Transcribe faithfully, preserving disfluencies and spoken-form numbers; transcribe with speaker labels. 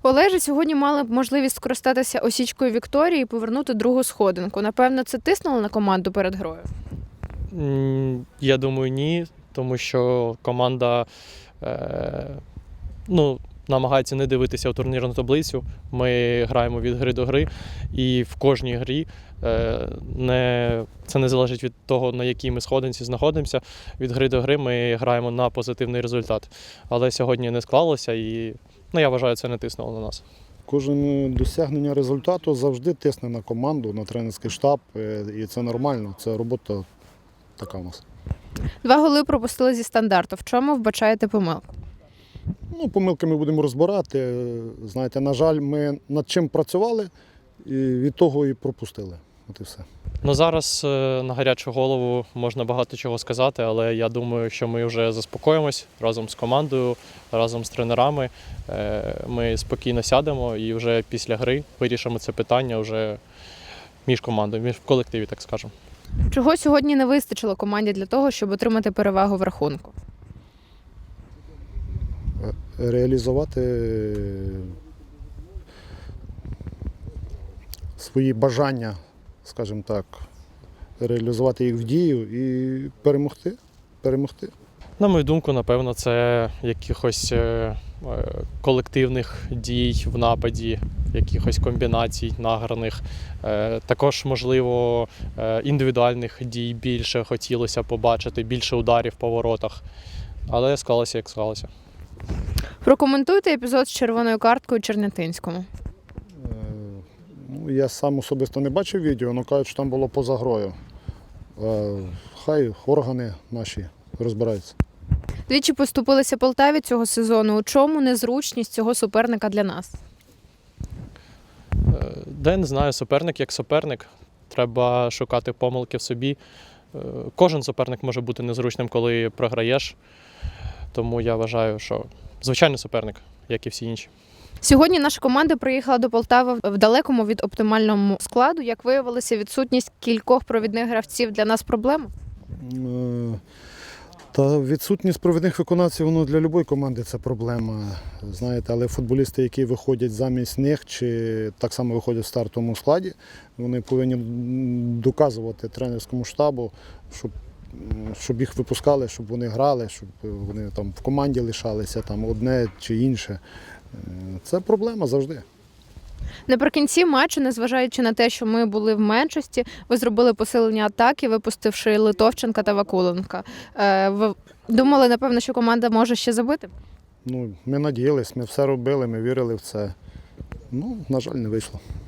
Speaker 1: Олеже, сьогодні мали б можливість скористатися осічкою Вікторії і повернути другу сходинку. Напевно, це тиснуло на команду перед грою?
Speaker 2: М, Я думаю, ні, тому що команда е, ну, намагається не дивитися у турнірну таблицю. Ми граємо від гри до гри, і в кожній грі е, не, це не залежить від того, на якій ми сходинці знаходимося. Від гри до гри ми граємо на позитивний результат. Але сьогодні не склалося, і ну, я вважаю, це не тиснуло на нас.
Speaker 3: Кожен досягнення результату завжди тисне на команду, на тренерський штаб, е, і це нормально, це робота така у нас.
Speaker 1: Два голи пропустили зі стандарту. В чому вбачаєте помилку?
Speaker 3: Ну, помилки ми будемо розбирати. Знаєте, на жаль, ми над чим працювали, і від того і пропустили. От і все.
Speaker 2: Ну, зараз е, на гарячу голову можна багато чого сказати, але я думаю, що ми вже заспокоїмось разом з командою, разом з тренерами. Е, Ми спокійно сядемо і вже після гри вирішимо це питання вже між командою, між в колективі, так скажемо.
Speaker 1: Чого сьогодні не вистачило команді для того, щоб отримати перевагу в рахунку?
Speaker 3: Реалізувати свої бажання, скажімо так, реалізувати їх в дію і перемогти. перемогти.
Speaker 2: На мою думку, напевно, це якихось е, е, колективних дій в нападі, якихось комбінацій награних. Е, Також, можливо, е, індивідуальних дій більше хотілося побачити, більше ударів по воротах. Але склалося, як склалося.
Speaker 1: Прокоментуйте епізод з червоною карткою Чернятинському.
Speaker 3: Е, Ну, я сам особисто не бачив відео, але кажуть, що там було поза грою. Е, Хай органи наші розбираються.
Speaker 1: Двічі поступилися Полтаві цього сезону. У чому незручність цього суперника для нас?
Speaker 2: Е, Да, я не знаю, суперник як суперник. Треба шукати помилки в собі. Е, Кожен суперник може бути незручним, коли програєш. Тому я вважаю, що звичайний суперник, як і всі інші.
Speaker 1: Сьогодні наша команда приїхала до Полтави в далекому від оптимальному складу. Як виявилося, відсутність кількох провідних гравців для нас проблема?
Speaker 3: Е, Та відсутність провідних виконавців, воно для будь-якої команди це проблема. Знаєте, але футболісти, які виходять замість них, чи так само виходять в стартовому складі, вони повинні доказувати тренерському штабу, щоб, щоб їх випускали, щоб вони грали, щоб вони там в команді лишалися, там одне чи інше. Е, Це проблема завжди.
Speaker 1: Наприкінці матчу, незважаючи на те, що ми були в меншості, ви зробили посилення атаки, випустивши Литовченка та Вакуленка. Е, Ви думали, напевно, що команда може ще забити?
Speaker 3: Ну, ми надіялись, ми все робили, ми вірили в це. Ну, на жаль, не вийшло.